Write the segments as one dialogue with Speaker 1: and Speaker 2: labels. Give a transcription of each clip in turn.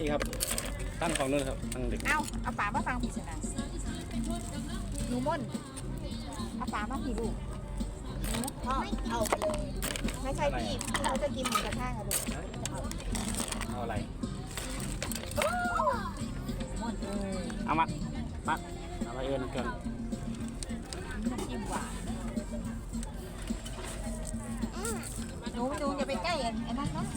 Speaker 1: พี่ครับตั้งของนู่นครับตั้งเด็ก
Speaker 2: เอาป่ามาฟังพี่ชนะหนูม่นเอาป่ามาพี่ลูกพ่อเอาไปเลยไม่ใช่พี่เขาจะกินหมูกระทะอะลูก
Speaker 1: เอาอะไร
Speaker 2: ม่น
Speaker 1: เอามาเอาไปเอิญกัน
Speaker 2: น้ำจิ้มหวานหนูอย่าไปใกล้ไอ้นั่นนะ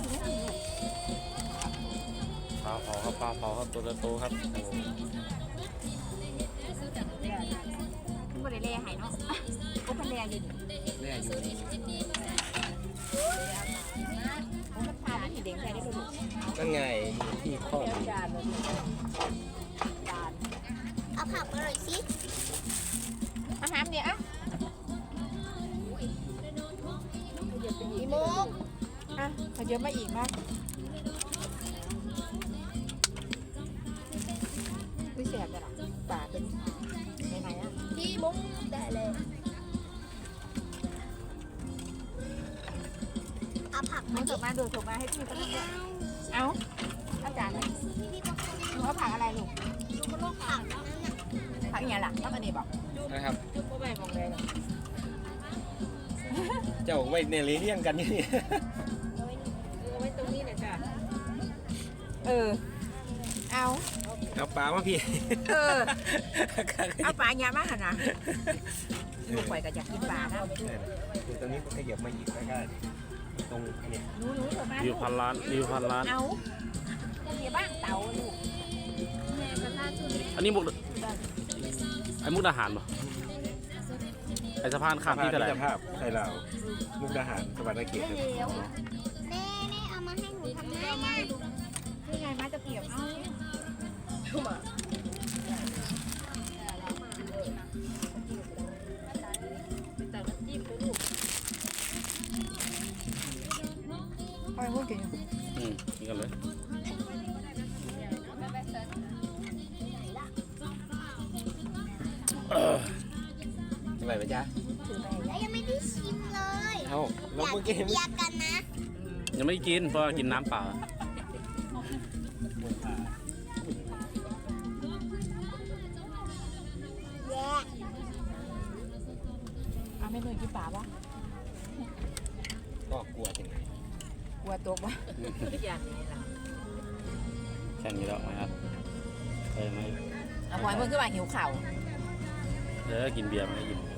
Speaker 1: ปลาเผาครับปลาเผาครับตัวโตครับโอ้
Speaker 2: ไม่ได้เล่หายเนาะก็เป็นเล่อยู่
Speaker 1: แม่อยู่
Speaker 2: โอ้มันพาที่เด็กใจได้ดู
Speaker 1: นั่นไงที่ข้อ
Speaker 2: เอาผักมาหน่อยสิอาหารเนี่ยอะอีโมกอ่ะขยับมาอีกมากไม่แสบเลยหรอปากเป็นไหนอ่ะพี่มุ้งได้เลยเอาผักมาส่งมาดูส่งมาให้พี่ก็ได้เอาจารย์หนูเอาผักอะไรลูกลูกก็ลูกผักผักอย่างไรล่ะผักอันนี้บอก
Speaker 1: นะครับ
Speaker 2: จุ๊บก็ไปมองเลย
Speaker 1: เจ้าไว้ในเลี้ยงกันนี่
Speaker 2: เอาไว้ตรงนี้นะจ้ะเอา
Speaker 1: ปลามาพี่
Speaker 2: เอาปลาเยอะมากนะลูกปล่อยก็อยากกินปลานะ
Speaker 1: ตรงนี้ก็ขยับมาอีกแล้วก็ตรงนี้
Speaker 2: หนูเถอะมา
Speaker 1: รีวิวพันล้านรีวิวพันล้าน
Speaker 2: เอาเดี๋ยวบ้านเต่าลูก
Speaker 1: อันนี้มุกไอ้มุกดาหารป่ะไอ้สะพานข้ามที่เท่าไหร่
Speaker 3: ภาพไทยลาวมุกดาหารสวรรค์เขต
Speaker 2: แน่เอามาให้หนูทำได้ไหมนี่ไงมาจะเกี่ยวเอาแต่น้ำจิ้มด้วยลูกเอาไปพูดกันอยู่
Speaker 1: นี่กันเลยอะไรไปจ้า
Speaker 2: ยังไม่ได้ชิมเลย
Speaker 1: เอาเราเมื่อกี้
Speaker 2: อยากกันนะ
Speaker 1: ยังไม่ได้กินเพราะกินน้ำเปล่า
Speaker 2: เอาไม่หนุ่ยกินป่าวะ
Speaker 1: ก็กลัวจริง
Speaker 2: กลัวตัววะอย่างนี้ล่ะ
Speaker 1: แค่นี้แล้วนะครับไม่
Speaker 2: เอาหอยมันขึ้นมาหิวเข่า
Speaker 1: กินเบียร์มาให้กิน